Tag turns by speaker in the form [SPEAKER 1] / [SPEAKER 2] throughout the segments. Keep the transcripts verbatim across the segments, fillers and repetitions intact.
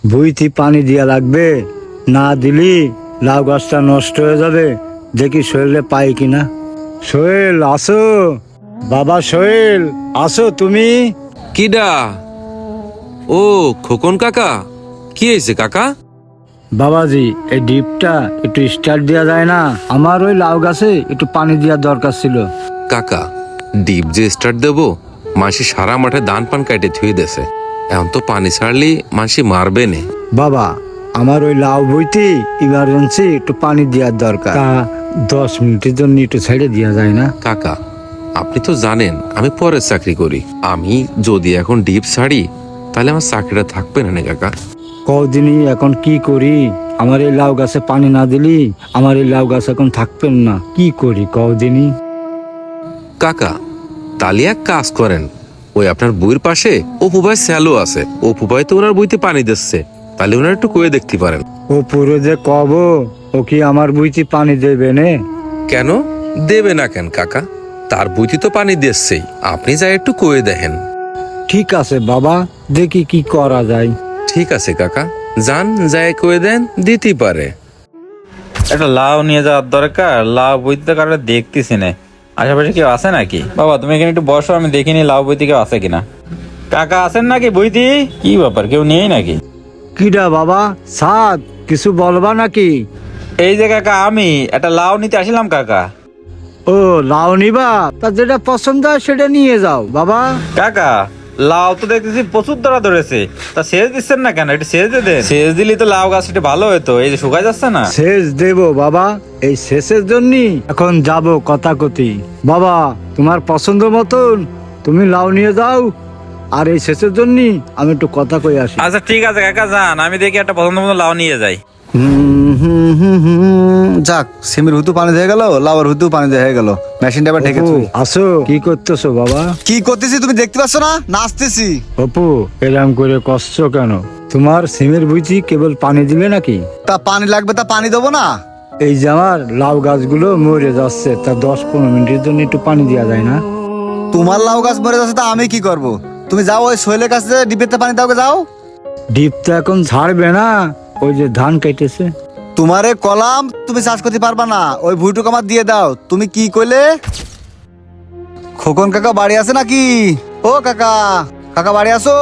[SPEAKER 1] ভুঁইতে পানি দিয়া লাগবে, না দিলি লাউ গাছটা নষ্ট হয়ে যাবে। দেখি সোহেলে পাই কিনা। সোহেল আসো, বাবা সোহেল আসো তুমি।
[SPEAKER 2] কিডা? ও খোকন কাকা, কি হয়েছে কাকা?
[SPEAKER 1] বাবাজি এই ডিপটা একটু স্টার্ট দেওয়া যায় না? আমার ওই লাউ গাছে একটু পানি দেওয়ার দরকার ছিল।
[SPEAKER 2] কাকা ডিপ যে স্টার্ট দেবো, মাসি সারা মাঠে ধান পান কাটে থুয়ে দেছে, এখন তো পানি ছাড়লি মাসি মারবে নে।
[SPEAKER 1] বাবা আমার ওই লাউ বইতে ইমার্জেন্সি একটু পানি দেওয়ার দরকার, তা দশ মিনিটের জন্য একটু ছেড়ে দেওয়া যায় না?
[SPEAKER 2] কাকা আপনি তো জানেন আমি পরের চাকরি করি, আমি যদি এখন ডিপ ছাড়ি তাহলে আমার চাকরিটা থাকবে না না কাকা।
[SPEAKER 1] কদিনই এখন কি করি? আমার এই লাউ গাছে পানি না দিলি আমার এই লাউ গাছ এখন থাকবেন না, কি করি কদিনই?
[SPEAKER 2] কাকা তাহলে এক কাজ করেন, ওই আপনার বইয়ের পাশে অপু ভাই স্যালো আছে, অপু ভাই তো ওনার বইতে পানি দিচ্ছে, তাহলে ওনার একটু কয়ে দেখতে পারেন।
[SPEAKER 1] ও পুরো যে কব, ও কি আমার বইতে পানি দেবে নে?
[SPEAKER 2] কেন দেবে না কেন কাকা, তার বইতে তো পানি দিচ্ছেই, আপনি যাই একটু কয়ে দেখেন।
[SPEAKER 1] ঠিক আছে বাবা, দেখি কি করা যায়।
[SPEAKER 2] ঠিক আছে কাকা, যান যায় কয়ে দেন, দিতে পারে।
[SPEAKER 3] একটা লাউ নিয়ে যাওয়ার দরকার, লাউ বইতে কারো দেখতেছি না, আশেপাশে কেউ আছে নাকি? বাবা তুমি এখানে একটু বসো, আমি দেখিনি লাউ বইতে কেউ আছে কিনা। কাকা আছেন নাকি বইতি? কি ব্যাপার, কেউ নেই নাকি?
[SPEAKER 1] কিডা বাবা? সাদ কিছু বলবা নাকি?
[SPEAKER 3] এই যে কাকা, আমি একটা লাউ নিতে আসলাম কাকা।
[SPEAKER 1] ও লাউ নিবা? তা যেটা পছন্দ হয় সেটা নিয়ে যাও বাবা।
[SPEAKER 3] কাকা লাউ তো দেখতেছি প্রচুর ধরা ধরেছে, তা সেচ দিচ্ছেন না কেন? একটু সেচ দিয়ে দেন, সেচ দিলি তো লাউ গাছ একটু ভালো হতো, এই যে শুকাই যাচ্ছে না।
[SPEAKER 1] সেচ দেব বাবা, এই সেচের জন্য এখন যাব কথা কতি। বাবা তোমার পছন্দ মতন তুমি লাউ নিয়ে যাও, আর এই সেচের জন্য আমি একটু কথা কই আসি।
[SPEAKER 3] আচ্ছা ঠিক আছে কাকা, যান, আমি দেখি একটা পছন্দ মতো লাউ নিয়ে যাই।
[SPEAKER 4] হুম হুম হুম হুম যাক, সিমের হুতু পানি দিয়ে গেল, লাউর হুতু পানি দিয়ে গেল, মেশিনটা আবার ঢেকে
[SPEAKER 1] অপু,
[SPEAKER 4] তুই।
[SPEAKER 1] আসো, কি করতেছো বাবা?
[SPEAKER 4] কি করতেছি তুমি দেখতে পাচ্ছ না? নাচতেছি।
[SPEAKER 1] অপু এরম করে কষ্ট কেন? তোমার সিমের বুঝি কেবল পানি দিলে নাকি?
[SPEAKER 4] তা পানি লাগবে, তা পানি দেবো না?
[SPEAKER 1] এই যে আমার লাউ গাছগুলো মরে যাচ্ছে, তা দশ পনেরো মিনিটের জন্য একটু পানি দেওয়া যায় না?
[SPEAKER 4] তোমার লাউ গাছ মরে যাচ্ছে, তা আমি কি করব? তুমি যাও ওই সোহেলের কাছে, ডিপেতে পানি দাও গে, যাও।
[SPEAKER 1] ডিপ তো এখন ছাড়বে না, ওই যে ধান কেটেছে।
[SPEAKER 4] তোমারে কলাম, তুমি চাষ করতে পারবা না, ওই ভুইটুক আমার দিয়ে দাও। তুমি কি কইলে? খোকন কাকা বাড়ি আছে নাকি? ও কাকা, কাকা বাড়ি আছো?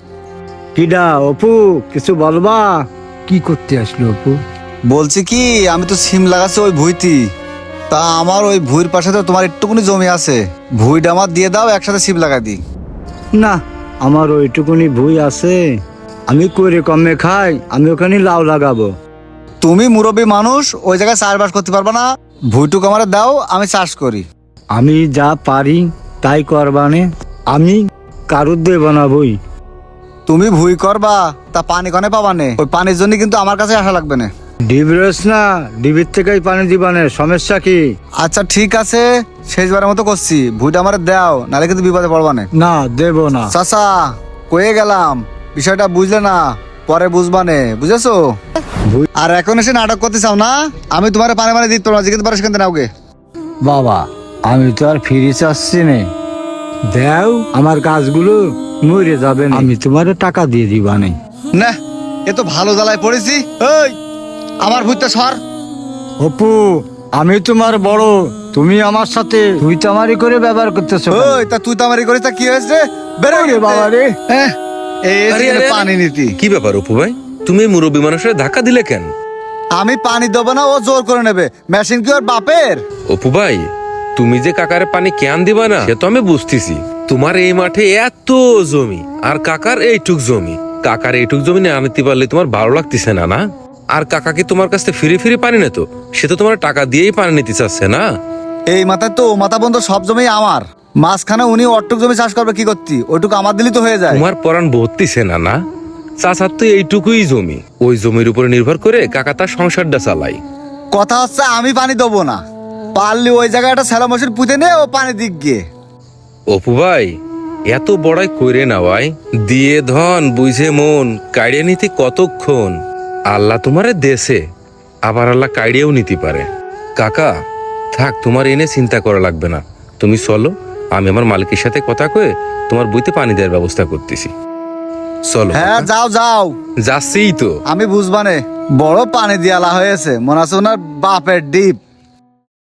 [SPEAKER 1] কিডা অপু, কিছু বলবা? কি করতে আসলো অপু?
[SPEAKER 4] বলছি কি, আমি তো সিম লাগাচ্ছি ওই ভুইতি, তা আমার ওই ভুইর পাশে তো তোমার একটুকুনি জমি আছে, ভুইটা আমার দিয়ে দাও, একসাথে সিম লাগা দিই।
[SPEAKER 1] না, আমার ওইটুকুনি ভুই আছে, আমি করে কমে খাই, আমি ওখানে লাউ লাগাবো।
[SPEAKER 4] তুমি মুরব্বী মানুষ, ওই জায়গায় চাষবাস করতে পারবা না, ভুইটুক আমার দাও, আমি চাষ করি।
[SPEAKER 1] আমি যা পারি তাই করবানে, আমি কারুর দেব না বই।
[SPEAKER 4] তুমি ভুই করবা, তা পানি কনে পাবানে? ওই পানির জন্য কিন্তু আমার কাছে আসা লাগবে না।
[SPEAKER 1] ডিব রয়েছ না, ডিবির থেকেই পানি দিবানে, সমস্যা কি?
[SPEAKER 4] আচ্ছা ঠিক আছে, শেষবারের মতো করছি, ভুইটা আমার দাও, নাহলে কিন্তু বিপদে পড়বা না।
[SPEAKER 1] না দেব না।
[SPEAKER 4] চাচা কয়ে গেলাম, বিষয়টা বুঝলে না, পরে বুঝবানে, বুঝেছো?
[SPEAKER 1] ভুই-
[SPEAKER 4] আর এখন এসে নাটক করতে চাও না? আমি তোমার পানি পানি দিতে পারবো না, কিন্তু পারো সেখান থেকে নাওগে।
[SPEAKER 1] বাবা আমি তো আর ফিরে চাচ্ছি না, দেও আমার গাছগুলো মরে যাবে না, আমি তোমার টাকা দিয়ে দিবানে।
[SPEAKER 4] না, এ তো ভালো জ্বালায় পড়েছি। ওই আমার ভুইটা সর।
[SPEAKER 1] অপু আমি তোমার বড়, তুমি আমার সাথে তুই তামারি করে ব্যবহার করতেছো কেন?
[SPEAKER 4] ওই তা তুই তো আমার করিস, তা কি হয়েছে? বেরো
[SPEAKER 1] ওরে বাবা রে।
[SPEAKER 4] হ্যাঁ, এই
[SPEAKER 2] আরে,
[SPEAKER 4] এখানে
[SPEAKER 2] আরে, আরে।
[SPEAKER 4] পানি নীতি।
[SPEAKER 2] কি ব্যাপার অপু ভাই, তুমি এই মুরব্বী মানুষের ধাক্কা দিলে কেন?
[SPEAKER 4] আমি পানি দেবো না, ও জোর করে নেবে। মেশিন কি ওর বাপের?
[SPEAKER 2] অপু ভাই তুমি যে কাকারে পানি কেন দিবা না সে তো আমি বুঝতেছি, তোমার এই মাঠে এত জমি আর কাকার এইটুক জমি, কাকার এইটুক জমি না আনতে পারলে তোমার ভালো লাগতেছে না? না আর কাকাকে তোমার কাছ থেকে ফিরে ফিরে পানি নিত, সে তো তোমার টাকা দিয়েই পানি নিতে চাচ্ছে না।
[SPEAKER 4] এই মাথায় তো ও মাথা বন্ধ, সব জমি আমার, মাঝখানে উনি অটুক জমি চাষ করবে কি করতি, ওইটুকু আমার দিলি তো হয়ে যায়।
[SPEAKER 2] তোমার পরাণ ভর্তিছে না? না চাচার তো এইটুকুই জমি, ওই জমির উপরে নির্ভর করে কাকা তার সংসারটা চালাই।
[SPEAKER 4] কথা হচ্ছে আমি পানি দেবো না, পারলি ওই জায়গায় একটা স্যালো মেশিন পুঁতে নে, ও পানি দিক গিয়ে।
[SPEAKER 2] অপু ভাই এত বড়াই কইরে না ভাই, দিয়ে ধন বুঝে মন কাড়িয়ে নিতে কতক্ষণ, আল্লাহ তোমারে দেশে, আবার আল্লাহ কাড়িয়েও নিতে পারে। কাকা থাক, তোমার এনে চিন্তা করা লাগবে না, তুমি চলো, আমি আমার মালিকের সাথে কথা কয়ে তোমার বইতে পানি দেওয়ার ব্যবস্থা করতেছি। চলো
[SPEAKER 4] হ্যাঁ
[SPEAKER 2] কাকা।
[SPEAKER 4] যাও যাও,
[SPEAKER 2] যাচ্ছিই তো।
[SPEAKER 4] আমি বুঝবানে বড় পানি দিয়ালা হয়েছে, মনে আছে ওনার বাপের ডিপ।